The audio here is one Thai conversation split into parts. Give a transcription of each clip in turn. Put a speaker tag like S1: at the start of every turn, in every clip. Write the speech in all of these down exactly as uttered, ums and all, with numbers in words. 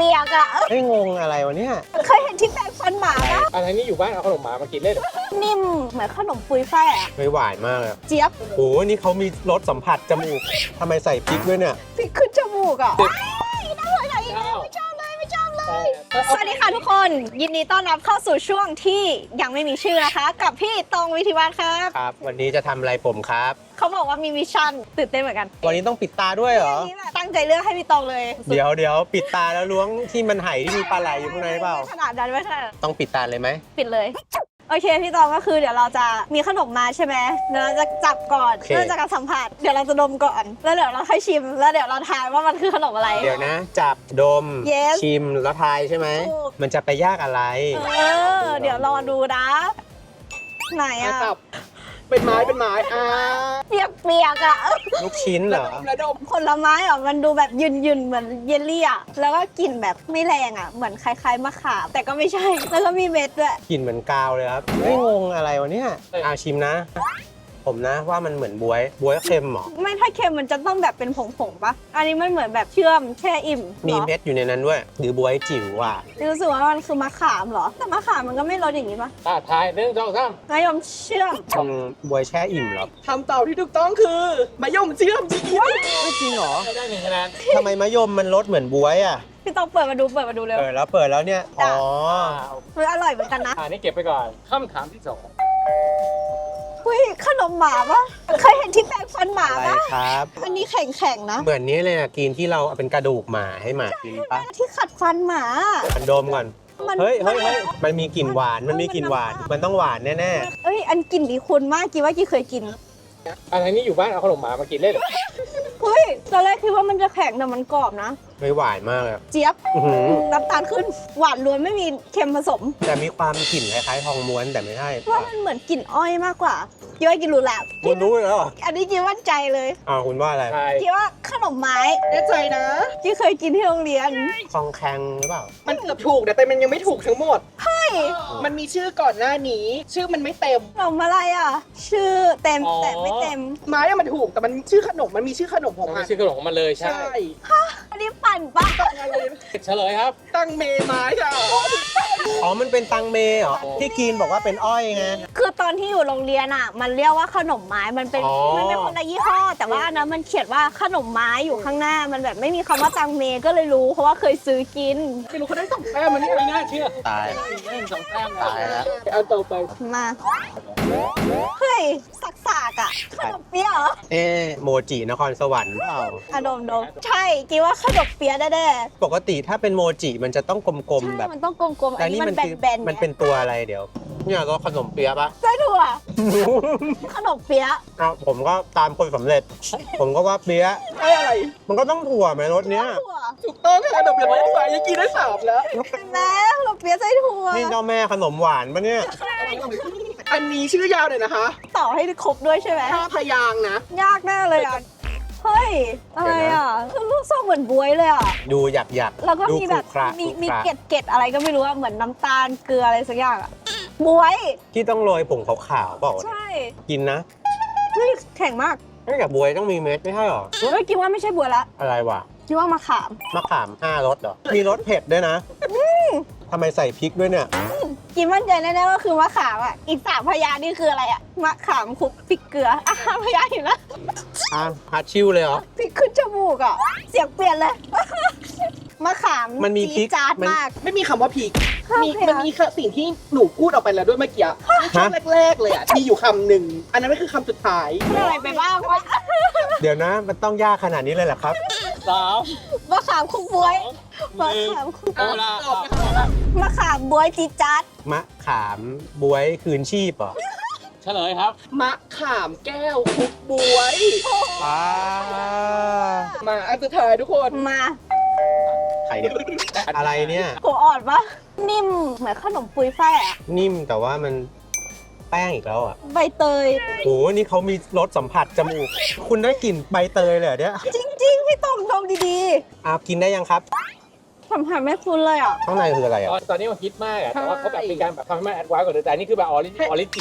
S1: ปียกๆอ่ะ
S2: ไม่งงอะไรวะเนี่ย
S1: เคยเห็นที่แปรงฟันหมาปะ
S3: อะไรนี่อยู่บ้านเอาขนมหมามากินเล่น
S1: นิ่มเหมือนขนมปุยฝ้ายอ่ะ
S2: ไม่หวานมากเลย
S1: เจี๊ยบ
S2: โอ้โหนี่เขามีรสสัมผัสจมูกทำไมใส่พริกด้วยเนี่ย
S1: พริกขึ้นจมูกอ่ะน่าเหมือนอะไรอีกแล้วไม่ชอบเลยไม่ชอบเลย สวัสดีค่ะทุกคนยินดีต้อนรับเข้าสู่ช่วงที่ยังไม่มีชื่อนะคะ กับพี่ตองวิทิวัฒน์ครับ
S2: ครับ วันนี้จะทำอะไรผมครับ
S1: เขาบอกว่ามีมิชชั่นตื่นเต้นเหมือนกัน
S2: วันนี้ต้องปิดตาด้วยเหรอ
S1: วันนี้แบบตั้งใจเลือกให้พี่ตองเลย
S2: เดี๋ยวเดี๋ยวปิดตาแล้วล้วงที่มันไหที่มีปลาไหลอยู่ข้างในเปล่า
S1: ขนาดนั้นไม่ใช่
S2: ต้องปิดตาเลยไหม
S1: ปิดเลยโอเคพี่ตองก็คือเดี๋ยวเราจะมีขนมมาใช่ไหมเดี๋ยวเราจะจับก่อนเพื่อจะการสัมผัสเดี๋ยวเราจะดมก่อนแล้วเดี๋ยวเราค่อยชิมแล้วเดี๋ยวเราทายว่ามันคือขนมอะไร
S2: เดี๋ยวนะ จับดม
S1: Yes
S2: ชิมแล้วทายใช่ไหม
S1: ถูก
S2: มันจะไปยากอะไร
S1: เออเดี๋ยวรอดูนะไหนอะ
S3: จับเป็นไม้เป็นไม้อ่า
S1: เปียกเปียกๆอะ
S2: ลูกชิ้นเหรอ
S3: ระดม
S1: ผลไม้อะมันดูแบบยืนยืนๆเหมือนเยลลี่อะแล้วก็กลิ่นแบบไม่แรงอะเหมือนคล้ายๆมะขามแต่ก็ไม่ใช่แล้วก็มีเม็ดด้วย
S2: กลิ่นเหมือนกาวเลยครับ ไม่งงอะไรวะเนี่ยอาชิมนะ ผมนะว่ามันเหมือนบวยบวยเค็มเหรอ
S1: ไม่ถ้าเค็มมันจะต้องแบบเป็นผงๆปะอันนี้มันเหมือนแบบเชื่อมแช่อิ่ม
S2: มี
S1: หรอ
S2: เม็ดอยู่ในนั้นด้วย หรือบวยจิ๋วว่ะ
S1: รู้สึกว่ามันคือมะขามเหรอแต่มะขามมันก็ไม่รสอย่างนี้ปะ
S3: อ่าทายหนึ่งสองสาม
S1: นายมเชื่อม
S2: อืมบวยแช่อิ่มเหรอ
S3: คำตอบที่ถูกต้องคือมะยมเชื่อมจริง
S2: ไม่จริงเหรอ
S3: ได้หนึ่งคะแนน
S2: ทำไมมะยมมันรสเหมือนบวยอ่ะ
S1: พี่ต้องเปิดมาดูเปิดมาดูเร็ว
S2: เออแล้วเปิดแล้วเนี่ย อ๋อ
S1: มันอร่อยเหมือนกันนะ
S3: อ่านี่เก็บไปก่อนคำถามที่สอง
S1: เฮ้ยขนมหมาปะเคยเห็นที่แปรงฟันหมา
S2: อะไร
S1: ปะ
S2: ครับ
S1: อันนี้แข็งๆนะ
S2: เหมือนนี้เลยนะกินที่เราเอาเป็นกระดูกหมาให้หมากินปะ
S1: ที่ขัดฟันหมา
S2: มันดมก่อน
S1: มัน
S2: เฮ้ยเฮ้ยเฮ้ยมันมีกลิ่นหวาน มันมีกลิ่นหวาน มันต้องหวานแน่
S1: เอ้ยอันกลิ่นดีคุณมากกี่ว่ากี่เคยกิน
S3: อะไรนี่อยู่บ้านเอาขนมหมามากินเล่น
S1: เฮ้ยตอนแรกคิดว่ามันจะแข็งแต่มันกรอบนะ
S2: ๆ ไม่หวานมากเลย
S1: เจี๊ยบ
S2: อื้อหือ
S1: น้ำตาลขึ้นหวานล้วนไม่มีเค็มผสม
S2: แต่มีความกลิ่นคล้ายๆทองม้วนแต่ไม่ใช่
S1: ว่ามันเหมือนกลิ่นอ้อยมากกว่ากี่ว่ากี่รู้แล้ว
S2: คุณรู้แล้วเหรอ
S1: อันนี้กี่มั่นใจเลย
S2: อ้าวคุณว่าอะไร
S3: ใช่
S1: กี่ว่าขนมไม้
S3: แน่ใจนะ
S1: กี่เคยกินที่โรงเรียน
S2: คองแคงหรือเปล่า
S4: มันเกือบถูกนะแต่มันยังไม่ถูกทั้งหมด
S1: เฮ้ย
S4: มันมีชื่อก่อนหน้านี้ ชื่อมันไม่เต็ม
S1: ขนมอะไรอ่ะ ชื่อเต็มแต่ไม่เต็ม
S4: ไม้อะมันถูกแต่มันชื่อขนมมันมีชื่อขนมของ
S3: มัน
S4: มั
S3: ไม่
S4: น
S3: ใช่ขนมของมันเลยใช่
S4: ใช่
S1: อันนี้ปั่นปะ
S4: ตั้งอะไรนะ
S3: เฉลยครับ
S4: ตั้งเมไม้ค่ะ
S2: อ๋อ มันเป็นตังเมเหรอ ที่กินบอกว่าเป็นอ้อยไง
S1: คือตอนที่อยู่โรงเรียนอ่ะ มันเรียกว่าขนมไม้มันเป็น
S2: อ๋อ
S1: มันเป็นคนละยี่ห้อ แต่ว่าอันนั้นมันเขียนว่าขนมไม้อยู่ข้างหน้ามันแบบไม่มีคำว่าตังเมก็เลยรู้เพราะว่าเคยซื้อกิน
S4: ไม่รู้เขาได้สองแต้มมันนี่
S3: ไม่น่าเชื่อ
S2: ตาย
S3: หนึ่งสองแต้ม
S2: ตายแล้ว
S4: เอาต่อไป
S1: มาเฮ้ยสักสากอ่ะขนมเปี๊ยะเหรอ
S2: เอ๊ะโมจินครสวรรค์เปล่า
S1: อะดมดมใช่กี่ว่าขนมเปี๊ยะแน่
S2: ปกติถ้าเป็นโมจิมันจะต้องก
S1: ๆ
S2: ลมๆ
S1: ใช่
S2: แบบ
S1: มันต้องกลมๆ
S2: แต่
S1: อันนี้
S2: นี่
S1: มั
S2: มัน
S1: น
S2: คือ
S1: แบนๆ
S2: มันเป็นตัวอะไรเดี๋ยว เนี่ยก็ขนมเปี๊ยะปะ
S1: ไส้ถั่วขนมเปี๊ยะ
S2: เอาผมก็ตามคนสำเร็จ ผมก็ว่าเปี๊ยะ
S4: ไอ้อะไร
S2: มันก็ต้องถั่วไหมรสเนี้ย
S1: ถั่ว
S4: ถูกต้องค่ะขนมเปี๊ยะไม้ไม้ยังกินได้สามแล้ว
S1: เห็นไหมขนมเปี๊ยะไส้ถั่ว
S2: นี่เจ้าแม่ขนมหวานปะเนี่ย
S4: อันนี้ชื่อยาวหน่อยนะคะ
S1: ต่อให้ครบด้วยใช่ไหม
S4: ห้าพยางค์นะ
S1: ยากแน่เลยอ่ะ เฮ้ย อะไรอ่ะคือลูกทรงเหมือนบวยเลยอ่ะ
S2: ดูหยักหยัก
S1: แล้วก็
S2: ดู
S1: มีแบบ
S2: ขรุขระ
S1: มี
S2: ขรุ
S1: มี
S2: ขระ
S1: เกล็ดเกล็ดอะไรก็ไม่รู้อะเหมือนน้ำตาลเกลืออะไรสักอย่างอ่ะบวย
S2: ที่ต้องโรยผงขาวๆเปล่า
S1: ใช่
S2: กินนะ
S1: เฮ้ยแข็งมาก
S2: ไม่กับบวยต้องมีเม็ดไม่ใช่หรอ
S1: เฮ้ยคิดว่าไม่ใช่บวยละ
S2: อะไรวะ
S1: คิดว่ามะขาม
S2: มะขามห้ารสเหรอ มีรสเผ็ดด้วยนะทำไมใส่พริกด้วยเนี่ย
S1: กินมั่นใจแน่ๆว่าคือมะขามอ่ะ อีกสามพยางค์นี่คืออะไรอ่ะ มะขามคลุกพริกเกลืออ่ะห้าพยางค์อยู่แล้ว
S2: อ่ะฮัดชิวเลยเหรอ
S1: พริกขึ้นจมูกอ่ะ เสียงเปลี่ยนเลย มะขาม
S2: มันมีพริก
S1: จี๊ดจาด
S2: มัน
S1: มาก
S4: ไม่มีคำว่าพีก
S1: ห้า
S4: มี
S1: พยางค์
S4: มันมีสิ่งที่หนูพูดออกไปแล้วด้วยเมื่อกี้ช่วงแรกๆเลยอ่ะมีอยู่คำหนึ่งอันนั้นไม่คือคำสุดท้าย
S1: พูดอะไรไปบ้างวะ
S2: เดี๋ยวนะ มันต้องยากขนาดนี้เลยเหรอครับ
S3: สาม
S1: มะขามคลุกบวยมะขามคลุก
S3: โอ้ละ
S4: ตอบนะคะ
S1: มะขามบวยจี๊ดจัด
S2: มะขามบวยคืนชีพเหรอ
S3: เฉลยครับ
S4: มะขามแก้วคุกบวย
S2: อ่า
S4: มาอันสุดท้ายทุกคน
S1: มา
S2: ไข่เดียวอะไรเนี่ย
S1: หัวอ่อนปะนิ่มเหมือนขนมปุยฝ้ายอะ
S2: นิ่มแต่ว่ามันแป้งอีกแล้วอ่ะ
S1: ใบเตย
S2: โหนี่เขามีรสสัมผัสจมูก คุณได้กลิ่นใบเตยเลยเหรอเนี่ย
S1: จริงๆ พี่ตองดมดี
S2: อ่ากินได้ยังครับ
S1: ๆสัมผัสไม่คุ้นเลยอ่ะ
S2: ข้างในคืออะไรอ่ะ
S3: ตอนนี้มันฮิตมากอะแต่ว่าเขาแบบเป็นการแบบทำให้มันแอดวานซ์กว่าเดิมแต่อันนี่คือแบบออริจิออริจิ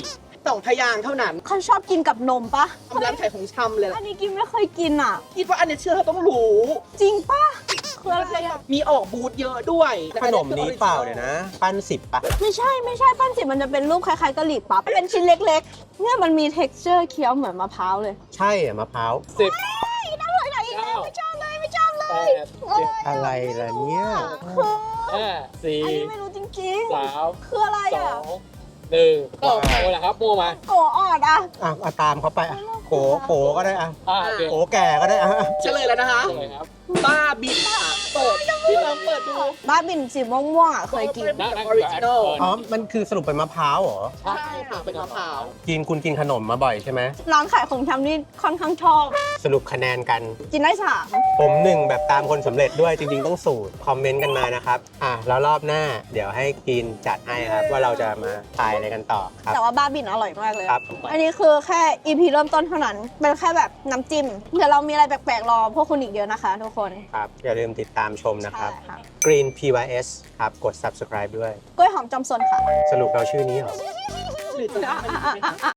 S4: สองพยางค์เท่านั้น
S1: เขาชอบกินกับนมปะ
S4: ทำร้านขายของชำเลย
S1: อั
S4: ล่ะ
S1: นนี้กินไม่เคยกินอ่ะ
S4: คิดว่าอันนี้เชื่อเธอต้องรู้
S1: จริงปะคืออะไรอ่ะ
S4: มีออกบูธเยอะด้วย
S2: ขนมนี้เปล่าเดี๋ยวนะ ปั้นสิบปะ
S1: ไม่ใช่ไม่ใช่ปั้นจิบมันจะเป็นรูปคล้ายๆกะหรี่ปั๊บเป็นชิ้นเล็กๆ เนี่ยมันมี texture เคี้ยวเหมือนมะพร้าวเลย
S2: ใช่อะมะพร้าว
S3: สิบ
S1: น่าเลยไหนอีกแล้วไม่ชอบเลยไม่ชอบเล
S3: แป
S1: ย
S3: ด
S1: โอ้ย
S2: อะไรล่ะเนี่ย
S1: คือ
S3: ห้าสี่
S1: อันนี้ไม่รู้จริง
S3: สาม
S1: ๆ คืออะไร
S3: สอ
S1: อ่ะ
S3: งหนึ่งก็โมแหละครับโมมา
S1: โกออดอ่ะ
S2: อ่ะเอาตามเขาไปอ่ะโกโกก็ได้อ่ะ
S3: อ่าโอเค
S2: โกแก่ก็ได้อ่ะ
S4: เฉลยแล้วนะคะ
S3: เฉลยครับ
S4: บ้าบินค่ะเปิดพี่ลองเปิดดู
S1: บ้าบินสีม่วงๆอ่ะเคยกิน
S3: นั่งนั่ง
S4: ออริจินอล
S2: อ๋อ มันคือสรุปเป็นมะพร้าวเหรอ
S3: ใช่
S4: ใช่ค่ะเป็นมะพร้าว
S2: กินคุณกินขนมมาบ่อยใช่ไหม
S1: ร้านขายของชำนี่ค่อนข้างชอบ
S2: สรุปคะแนนกัน
S1: กินได้สาม
S2: ผมหนึ่งแบบตามคนสำเร็จด้วยจริงๆต้องสูตร คอมเมนต์กันมานะครับ อ่ะ แล้วรอบหน้าเดี๋ยวให้กินจัดให้ครับ ว่าเราจะมาทายอะไรกันต่อครับ
S1: แต่ว่าบ้าบินอร่อยมากเลย
S2: ครับ
S1: อันนี้คือแค่ อี พี เริ่มต้นเท่านั้น เป็นแค่แบบน้ำจิ้ม เดี๋ยวเรามีอะไรแปลกๆรอพวกคุณอีกเยอะนะคะทุกคน
S2: ครับ อย่าลืมติดตามชมนะครับ
S1: ใช่ค่ะ
S2: Green พี วาย เอส ครับ กด subscribe ด้วย
S1: กล้วยหอมจอมซนค่ะ
S2: สรุปเราชื่อนี้เหรอ
S4: หรือจะทำอันนี้ไหมคะ